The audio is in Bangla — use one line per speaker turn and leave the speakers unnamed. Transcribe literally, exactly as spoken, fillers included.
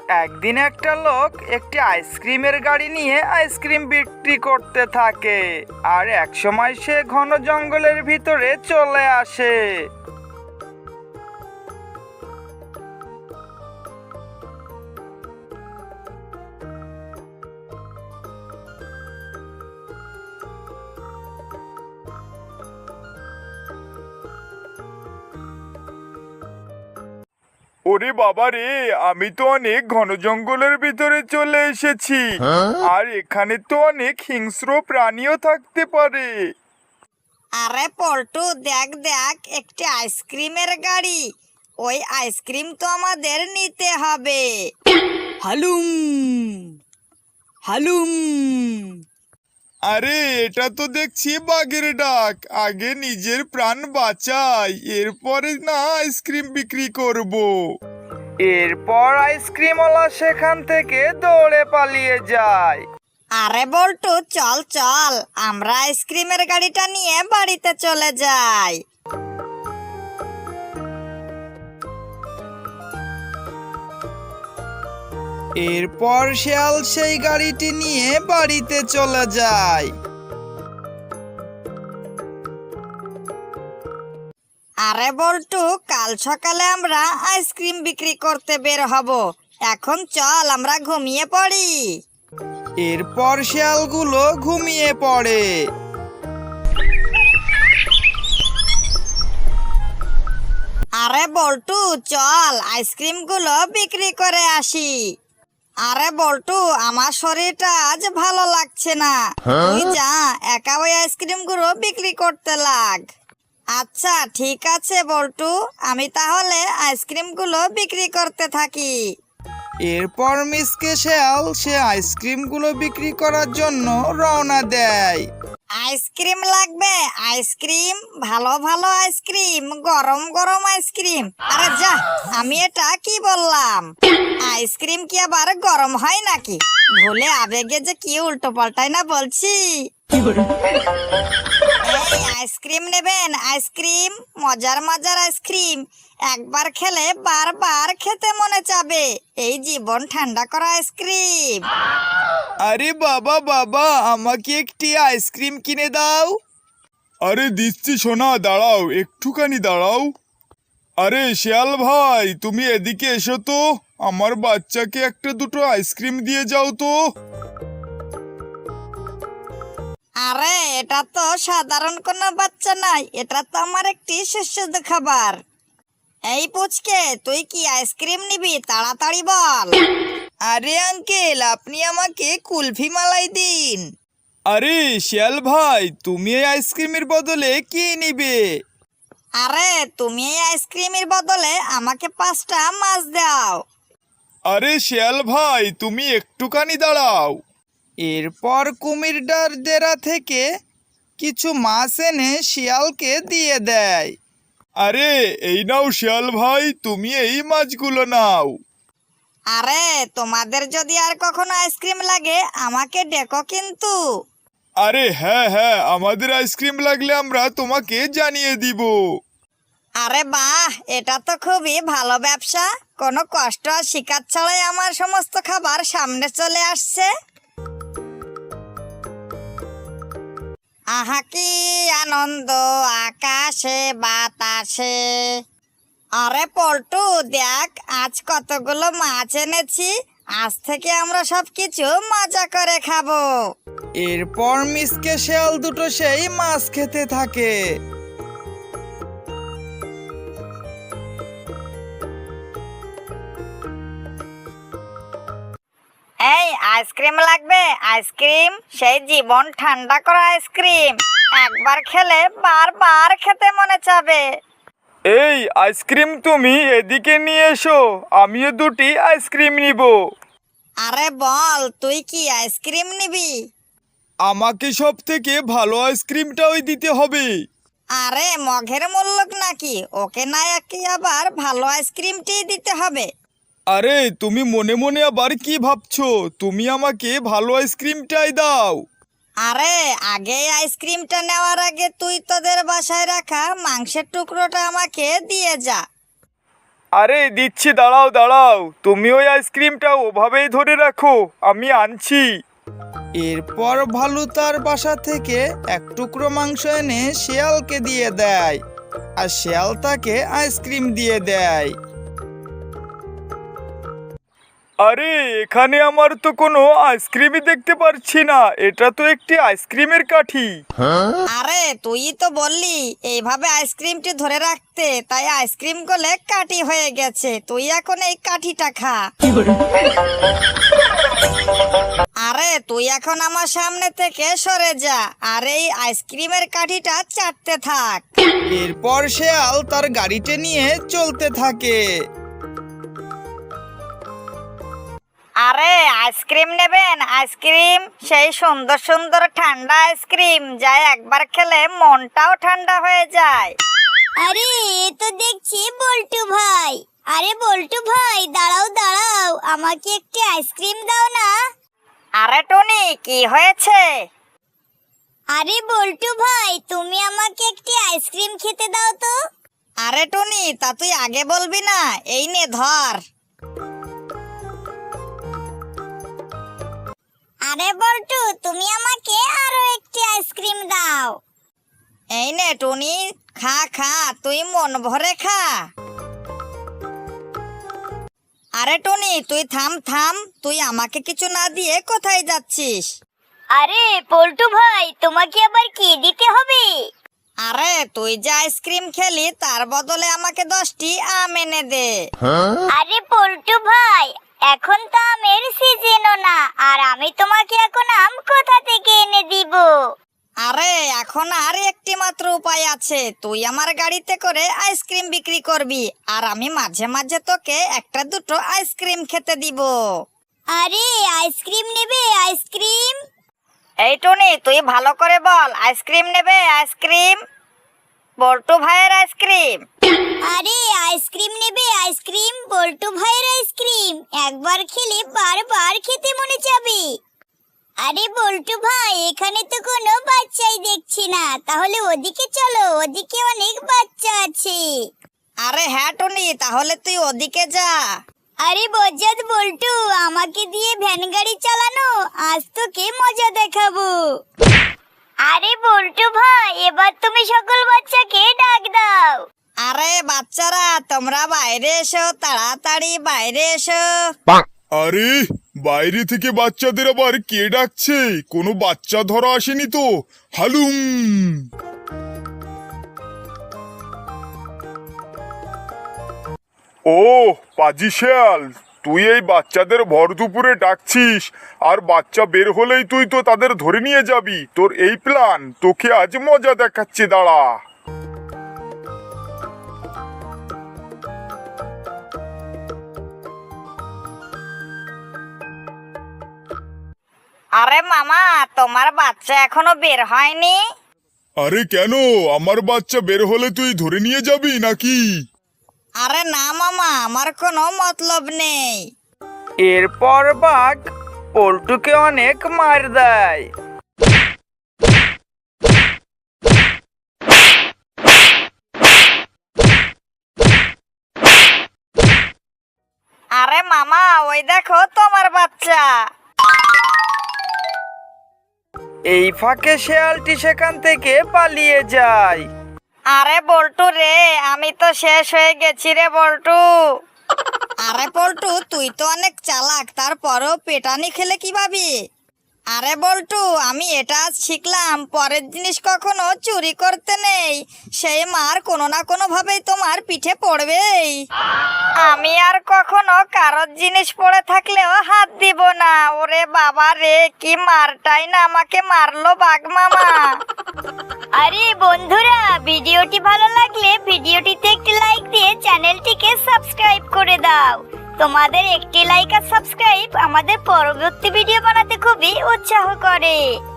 একদিন একটা লোক একটি আইসক্রিমের গাড়ি নিয়ে আইসক্রিম বিক্রি করতে থাকে। আর একসময় সে ঘন জঙ্গলের ভিতরে চলে আসে। ওরে বাবা রে, আমি তো অনেক ঘন জঙ্গলের ভিতরে চলে এসেছি। আর এখানে তো অনেক হিংস্র প্রাণীও থাকতে পারে।
আরে পল্টু, দেখ দেখ একটি আইসক্রিমের গাড়ি। ওই আইসক্রিম তো আমাদের নিতে হবে। হালুম হালুম।
আরে এটা তো দেখছি বাঘের ডাক। আগে নিজের প্রাণ বাঁচাই, এরপরে না আইসক্রিম বিক্রি করব। এরপর আইসক্রিমওয়ালা সেখান থেকে দৌড়ে পালিয়ে যায়।
আরে বল্টু, চল চল, আমরা আইসক্রিমের গাড়িটা নিয়ে বাড়িতে চলে যাই।
এরপর শিয়াল সেই গাড়িটি নিয়ে বাড়িতে চলে যায়।
আরে বল্টু, কাল সকালে আমরা আইসক্রিম বিক্রি করতে বের হব। এখন চল আমরা ঘুমিয়ে পড়ি।
এরপর শিয়ালগুলো ঘুমিয়ে পড়ে।
আরে বল্টু, চল আইসক্রিম গুলো বিক্রি করে আসি। আরে বল্টু, আমার শরীরটা আজ ভালো লাগছে না। তুই যা, একা ওই আইসক্রিম গুলো বিক্রি করতে লাগ। আচ্ছা ঠিক আছে বল্টু, আমি তাহলে আইসক্রিম গুলো বিক্রি করতে থাকি।
এরপর মিসকে শিয়াল সে আইসক্রিমগুলো বিক্রি করার জন্য রওনা দেয়।
আইসক্রিম লাগবে? আইসক্রিম, ভালো ভালো আইসক্রিম, গরম গরম আইসক্রিম। আরে যা, আমি এটা কি বললাম? আইসক্রিম কি আবার গরম হয় নাকি? ভুলে আবেগে যে কি উল্টো পাল্টাই না বলছি। এই আইসক্রিম নেবেন? আইসক্রিম, মজার মজার আইসক্রিম, একবার খেলে বারবার খেতে মনে চাবে। এই জীবন ঠান্ডা করা আইসক্রিম।
আরে বাবা বাবা, আমাকে একটি আইসক্রিম কিনে দাও। আরে দিচ্ছি সোনা, দাঁড়াও, একটুখানি দাঁড়াও। আরে শিয়াল ভাই, তুমি এদিকে এসো তো, আমার বাচ্চাকে একটা দুটো আইসক্রিম দিয়ে যাও তো।
আরে এটা তো সাধারণ কোনো বাচ্চা নাই, এটা তো আমার একটি সুস্বাদু খাবার। এই পুচকে, তুই কি আইসক্রিম নিবি? তাড়াতাড়ি বল।
আরে আঙ্কেল, আপনি আমাকে কুলফি মালাই দিন। আরে শিয়াল ভাই, তুমি এই আইসক্রিমের বদলে কি নিবে?
আরে তুমি এই আইসক্রিমের বদলে আমাকে পাঁচটা মাছ দাও।
আরে শিয়াল ভাই, তুমি একটুখানি দাঁড়াও। এরপর কুমিরটার ডেরা থেকে কিছু মাছ এনে শিয়ালকে দিয়ে দেয়। আরে এই নাও শিয়াল ভাই, তুমি এই মাছগুলো নাও।
আরে তোমাদের যদি আর কখনো আইসক্রিম লাগে আমাকে ডেকো কিন্তু।
আরে হ্যাঁ হ্যাঁ, আমাদের আইসক্রিম লাগলে আমরা তোমাকে জানিয়ে দিব।
আরে বাহ, এটা তো খুবই ভালো ব্যবসা। কোনো কষ্ট আর শিকার ছাড়াই আমার সমস্ত খাবার সামনে চলে আসছে। আহা কি আনন্দ আকাশে বাতাসে। আরে পল্টু, দেখ আজ কতগুলো মাছ এনেছি। আজ থেকে আমরা সব কিছু মজা করে খাবো।
এরপর মিসকে শিয়াল দুটো সেই মাছ খেতে থাকে।
এই আইসক্রিম লাগবে? আইসক্রিম, সেই জীবন ঠান্ডা করা আইসক্রিম, একবার খেলে বারবার খেতে মনে চাবে।
এই আইসক্রিম তুমি এদিকে নিয়ে এসো, আমিও দুটি আইসক্রিম নিব।
আরে বল, তুই কি আইসক্রিম নিবি?
আমাকে সব থেকে ভালো আইসক্রিমটাই দিতে হবে।
আরে মঘের মূল্যক নাকি, ওকে না একে আবার ভালো আইসক্রিমটি দিতে হবে।
আরে তুমি মনে মনে আবার কি ভাবছো? তুমি আমাকে ভালো আইসক্রিমটাই দাও।
আরে আগে আইসক্রিমটা নেওয়ার আগে তুই তোদের বাসায় রাখা মাংসের টুকরোটা আমাকে দিয়ে যা।
আরে দিচ্ছি, দাঁড়াও দাঁড়াও, তুমি ওই আইসক্রিমটা ওভাবেই ধরে রাখো, আমি আনছি। এরপর ভালু তার বাসা থেকে এক টুকরো মাংস এনে শিয়ালকে দিয়ে দেয়, আর শিয়াল তাকে আইসক্রিম দিয়ে দেয়। আরে এখানে আমার তো কোনো আইসক্রিমই দেখতে পারছি না, এটা তো একটি আইসক্রিমের কাঠি।
আরে তুই তো বললি এইভাবে আইসক্রিমটি ধরে রাখতে, তাই আইসক্রিম গলে কাঠি হয়ে গেছে, তুই এখন এই কাঠিটা খা। আরে তুই এখন আমার সামনে থেকে সরে যা, আর এই আইসক্রিমের কাঠিটা চাটতে থাক। এরপর শিয়াল তার গাড়িতে নিয়ে চলতে থাকে। আরে আইসক্রিম নেবেন? আইসক্রিম, সেই সুন্দর সুন্দর ঠান্ডা আইসক্রিম, যা একবার খেলে মনটাও ঠান্ডা হয়ে যায়।
আরে এ তো দেখছি বল্টু ভাই। আরে বল্টু ভাই, দাঁড়াও দাঁড়াও, আমাকে একটি আইসক্রিম দাও না।
আরে টনি, কি হয়েছে?
আরে বল্টু ভাই, তুমি আমাকে একটি আইসক্রিম খেতে দাও তো।
আরে টনি, তা তুই আগে বলবি না? এই নে ধর।
আরে বল্টু, তুমি আমাকে আরো একটি আইসক্রিম দাও।
এই নে টনি, খা খা, তুই মন ভরে খা। আরে টনি, তুই থাম থাম, তুই আমাকে কিছু না দিয়ে কোথায় যাচ্ছিস?
আরে বল্টু ভাই, তোমাকে আবার কি দিতে হবে?
আরে তুই যে আইসক্রিম খেলি, তার বদলে আমাকে দশটি আম এনে দে।
আরে বল্টু ভাই, এখন তো আমের সিজনও না, আর আমি তোমাকে এখন আম কোথা থেকে এনে দিব?
আরে এখন আর একটি মাত্র উপায় আছে, তুই আমার গাড়িতে করে আইসক্রিম বিক্রি করবি, আর আমি মাঝে মাঝে তোকে একটা দুটো আইসক্রিম খেতে দিব।
আরে আইসক্রিম নেবে? আইসক্রিম?
এই টনি, তুই ভালো করে বল, আইসক্রিম নেবে? আইসক্রিম, বল্টু ভাইয়ের আইসক্রিম।
আরে আইসক্রিম নেবে? আইসক্রিম, বল্টু ভাইয়ের আইসক্রিম, একবার খেলে বারবার খেতে মনে যাবে। আরে বল্টু ভাই, এখানে তো কোনো বাচ্চাই দেখছি না, তাহলে ওদিকে চলো, ওদিকে অনেক বাচ্চা আছে।
আরে হ্যাঁ টনি, তাহলে তুই ওদিকে যা।
আরে বজ্জাত বল্টু, আমাকে দিয়ে ভ্যান গাড়ি চালানো, আজ তোকে মজা দেখাবো। আরে বল্টু ভাই, এবার তুমি সকল বাচ্চাকে ডাক দাও।
আরে বাচ্চারা, তোমরা বাইরে এসো, তাড়াতাড়ি বাইরে এসো।
আরে বাইরে থেকে বাচ্চাদের আবার কে ডাকছে? কোনো বাচ্চা ধরা আসেনি তো? হালুম। ও পাজি শেয়াল, তুই এই বাচ্চাদের ভর দুপুরে ডাকছিস, আর বাচ্চা বের হলেই তুই তো তাদের ধরে নিয়ে যাবি। তোর এই প্ল্যান, তোকে আজ মজা দেখাচ্ছি, দাঁড়া।
আরে মামা, তোমার বাচ্চা এখনো বের হয়নি?
আরে কেন, আমার বাচ্চা বের হলে তুই ধরে নিয়ে যাবি নাকি?
আরে না মামা, আমার কোনো মতলব নেই। এরপর বাঘ পল্টুকে অনেক মার দেয়। আরে মামা, ওই দেখো তোমার বাচ্চা। এই ফাঁকে শেয়ালটি সেখান থেকে পালিয়ে যায়। আরে বল্টু রে, আমি তো শেষ হয়ে গেছি রে বল্টু। আরে বল্টু, তুই তো অনেক চালাক, তারপরও পেটানি খেলে কি ভাবি? আরে বল্টু, আমি এটা আজ শিখলাম, পরের জিনিস কখনো চুরি করতে নেই, সেই মার কোনো না কোনো ভাবেই তোমার পিঠে পড়বেই। আমি আর কখনো কারোর জিনিস পড়ে থাকলেও হাত দিব না। ওরে বাবা রে, কি মারটাই না আমাকে মারলো বাঘ মামা।
আরে বন্ধুরা, ভিডিওটি ভালো লাগলে ভিডিওটিতে একটি লাইক দিয়ে চ্যানেলটিকে সাবস্ক্রাইব করে দাও। তোমাদের একটি লাইক আর সাবস্ক্রাইব আমাদের পরবর্তী ভিডিও বানাতে খুবই উৎসাহ করে।